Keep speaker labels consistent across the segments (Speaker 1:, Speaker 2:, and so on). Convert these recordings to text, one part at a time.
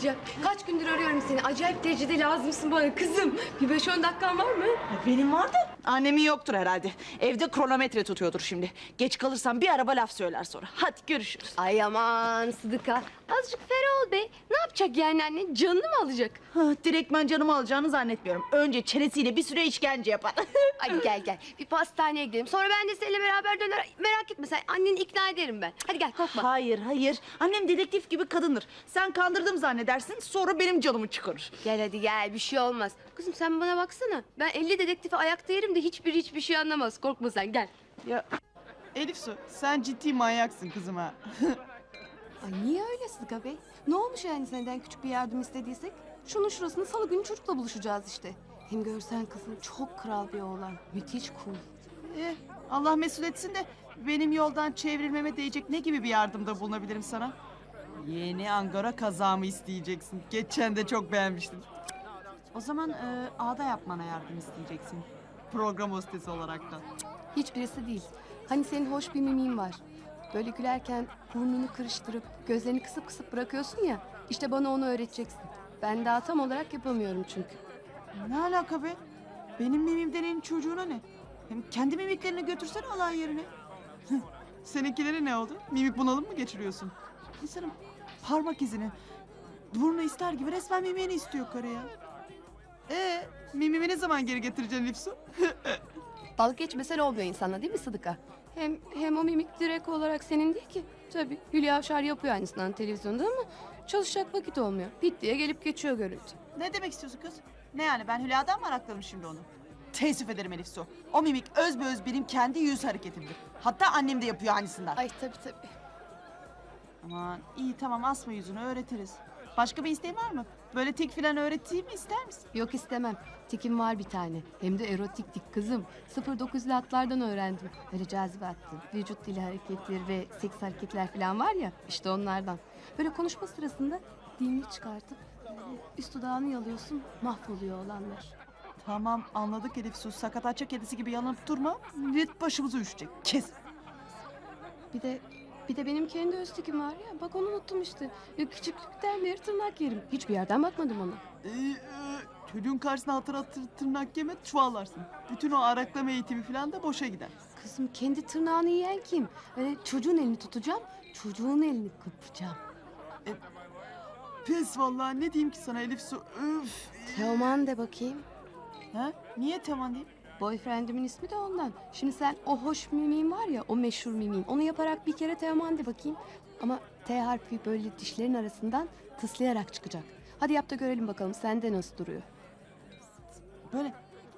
Speaker 1: diyeceğim. Kaç gündür arıyorum seni. Acayip derecede lazımsın bana kızım. Bir 5-10 dakikan var mı?
Speaker 2: Benim vardı. Annemin yoktur herhalde. Evde kronometre tutuyordur şimdi. Geç kalırsam bir araba laf söyler sonra. Hadi görüşürüz.
Speaker 1: Ay aman Sıdıka. Azıcık ferah ol be. Ne yapacak yani annen? Canını mı alacak?
Speaker 2: Direktmen canımı alacağını zannetmiyorum. Önce çenesiyle bir süre işkence yapar.
Speaker 1: Hadi gel. Bir pastaneye gidelim. Sonra ben de seninle beraber döner. Merak etme sen. Anneni ikna ederim ben. Hadi gel korkma.
Speaker 2: Hayır. Annem dedektif gibi kadındır. Sen kandırdım zannedersin, sonra benim canımı çıkarır.
Speaker 1: Gel hadi gel. Bir şey olmaz. Kızım sen bana baksana. Ben 50 dedektifi ayakta yerim de hiçbir şey anlamaz. Korkma sen gel.
Speaker 3: Ya Elif Su, sen ciddi manyaksın kızım ha.
Speaker 4: Ay niye öyle Sıdıka Bey? Ne olmuş yani senden küçük bir yardım istediysek? Şunun şurasını salı günü çocukla buluşacağız işte. Hem görsen kızım çok kral bir oğlan. Müthiş cool.
Speaker 3: Allah mesul etsin de benim yoldan çevrilmeme değecek ne gibi bir yardımda bulunabilirim sana? Yeni Angora kazağımı isteyeceksin. Geçen de çok beğenmiştim. O zaman ağda yapmana yardım isteyeceksin. Program hostesi olaraktan.
Speaker 4: Hiçbirisi değil. Hani senin hoş bir mimin var. Böyle gülerken burnunu kırıştırıp gözlerini kısıp bırakıyorsun ya. İşte bana onu öğreteceksin. Ben daha tam olarak yapamıyorum çünkü.
Speaker 3: Ne alaka be? Benim mimim deneyin çocuğuna ne? Hem kendi mimiklerini götürsene alay yerine. Seninkileri ne oldu? Mimik bunalım mı geçiriyorsun? İnsanın parmak izini, burnu ister gibi resmen mimiğini istiyor karı ya. Mimimi ne zaman geri getireceksin Lifsu?
Speaker 4: Dalga geçmesen olmuyor insanla değil mi Sıdıka? Hem o mimik direkt olarak senin değil ki. Tabii Hülya Avşar yapıyor aynısından televizyonda ama çalışacak vakit olmuyor. Pit diye gelip geçiyor görüntü.
Speaker 3: Ne demek istiyorsun kız? Ne yani ben Hülya'dan mı arakladım şimdi onu? Teessüf ederim Elif Su. O mimik özbeöz benim kendi yüz hareketimdir. Hatta annem de yapıyor aynısından.
Speaker 4: Ay tabii.
Speaker 3: Aman iyi tamam asma yüzünü öğretiriz. Başka bir isteğin var mı? Böyle tik filan öğreteyim mi ister misin?
Speaker 4: Yok istemem. Tikim var bir tane. Hem de erotik tik kızım. 09'lu atlardan öğrendim. Böyle cazibe attı. Vücut dili hareketleri ve seks hareketler falan var ya. İşte onlardan. Böyle konuşma sırasında dilini çıkartıp böyle üst dudağını yalıyorsun. Mahvoluyor olanlar.
Speaker 3: Tamam anladık Elif Su. Sakatatça kedisi gibi yanıp durma. Millet başımıza üşecek. Kes.
Speaker 4: Bir de benim kendi öz tikim var ya. Bak onu unuttum işte. Ya küçüklükten beri tırnak yerim. Hiçbir yerden bakmadım ona.
Speaker 3: Çocuğun karşısına hatır tırnak yeme çuvallarsın. Bütün o araklama eğitimi falan da boşa gider.
Speaker 4: Kızım kendi tırnağını yiyen kim? Öyle çocuğun elini tutacağım. Çocuğun elini kıpacağım.
Speaker 3: Pes vallahi ne diyeyim ki sana Elif Su. Öf.
Speaker 4: Teoman de bakayım.
Speaker 3: Ha? Niye tamam diyeyim?
Speaker 4: Boyfriendimin ismi de ondan. Şimdi sen o hoş mimin var ya, o meşhur mimin. Onu yaparak bir kere Teoman de bakayım. Ama T harfi böyle dişlerin arasından tıslayarak çıkacak. Hadi yap da görelim bakalım sende nasıl duruyor.
Speaker 3: Böyle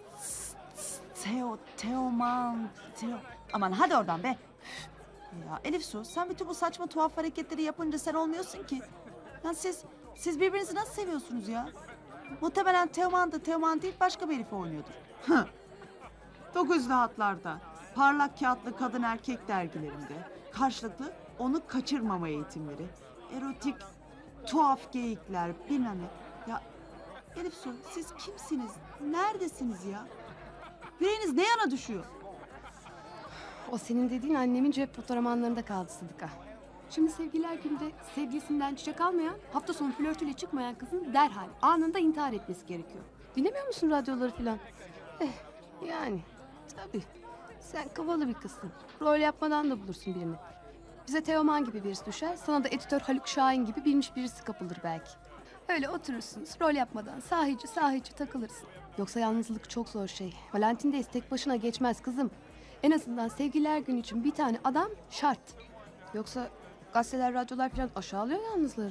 Speaker 3: Teoman. Aman hadi oradan be. Ya Elif Su sen bütün bu saçma tuhaf hareketleri yapınca sen olmuyorsun ki. Ya siz birbirinizi nasıl seviyorsunuz ya? Muhtemelen Teoman da Teoman değil başka bir herife oynuyordur. 9'lu hatlarda, parlak kağıtlı kadın erkek dergilerinde karşılıklı onu kaçırmama eğitimleri, erotik tuhaf geyikler bilmem ne. Ya Elif Su siz kimsiniz? Neredesiniz ya? Yüreğiniz ne yana düşüyor?
Speaker 4: O senin dediğin annemin cep fotoğraflarında kaldı Sıdıka. Şimdi sevgililer günde sevgilisinden çiçek almayan, hafta sonu flörtüyle çıkmayan kızın derhal anında intihar etmesi gerekiyor. Dinlemiyor musun radyoları falan? Yani tabii. Sen kıvalı bir kızsın. Rol yapmadan da bulursun birini. Bize Teoman gibi birisi düşer, sana da editör Haluk Şahin gibi bilmiş birisi kapılır belki. Öyle oturursunuz, rol yapmadan sahici takılırsın. Yoksa yalnızlık çok zor şey. Valentin'deyiz, tek başına geçmez kızım. En azından sevgililer günü için bir tane adam şart. Yoksa gazeteler, radyolar falan aşağılıyor yalnızları.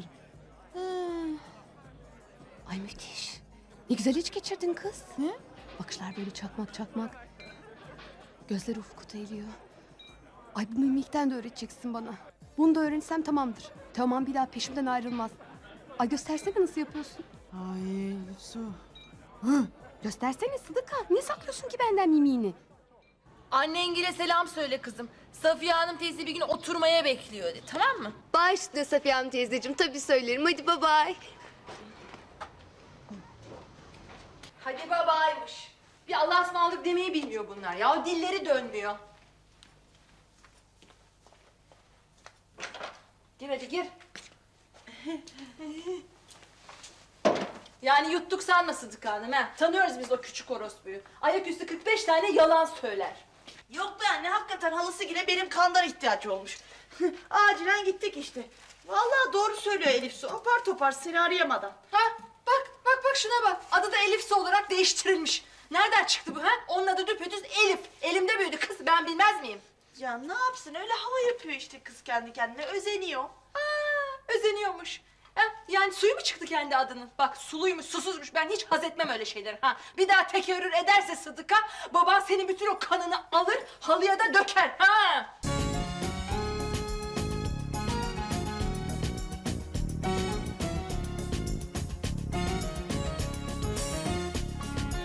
Speaker 4: Ay müthiş. Ne güzel hiç geçirdin kız.
Speaker 3: Ne?
Speaker 4: Bakışlar böyle çakmak. Gözleri ufkuta eğiliyor. Ay bu mimikten de öğreteceksin bana. Bunu da öğrensem tamamdır. Teoman bir daha peşimden ayrılmaz. Ay göstersene nasıl yapıyorsun.
Speaker 3: Ay Elif Su.
Speaker 4: Göstersene Sıdıka. Niye saklıyorsun ki benden mimiğini?
Speaker 5: Annengile selam söyle kızım. Safiye Hanım teyze bir gün oturmaya bekliyor de, tamam mı?
Speaker 1: Baş üstüne Safiye Hanım teyzeciğim. Tabii söylerim. Hadi bye bye.
Speaker 5: Hadi babaymış. Bir Allah'a ısmarladık demeyi bilmiyor bunlar ya. O dilleri dönmüyor. Gir hadi gir. Yani yuttuk sanma Sıdıka Hanım ha. Tanıyoruz biz o küçük orospuyu. Ayaküstü 45 tane yalan söyler.
Speaker 2: Yok be anne, hakikaten halası yine benim kandan ihtiyaç olmuş. Acilen gittik işte. Vallahi doğru söylüyor Elif Su. Apar topar seni arayamadan.
Speaker 5: Ha bak şuna bak. Adı da Elif'si olarak değiştirilmiş. Nereden çıktı bu ha? Onun adı düpedüz Elif. Elimde büyüdü kız, ben bilmez miyim?
Speaker 2: Ya ne yapsın, öyle hava yapıyor işte kız kendi kendine, özeniyor.
Speaker 5: Özeniyormuş. Ha, yani suyu mu çıktı kendi adının? Bak suluymuş, susuzmuş. Ben hiç haz etmem öyle şeyleri. Ha, bir daha tekerrür ederse Sıdıka, baban senin bütün o kanını alır, halıya da döker. Ha!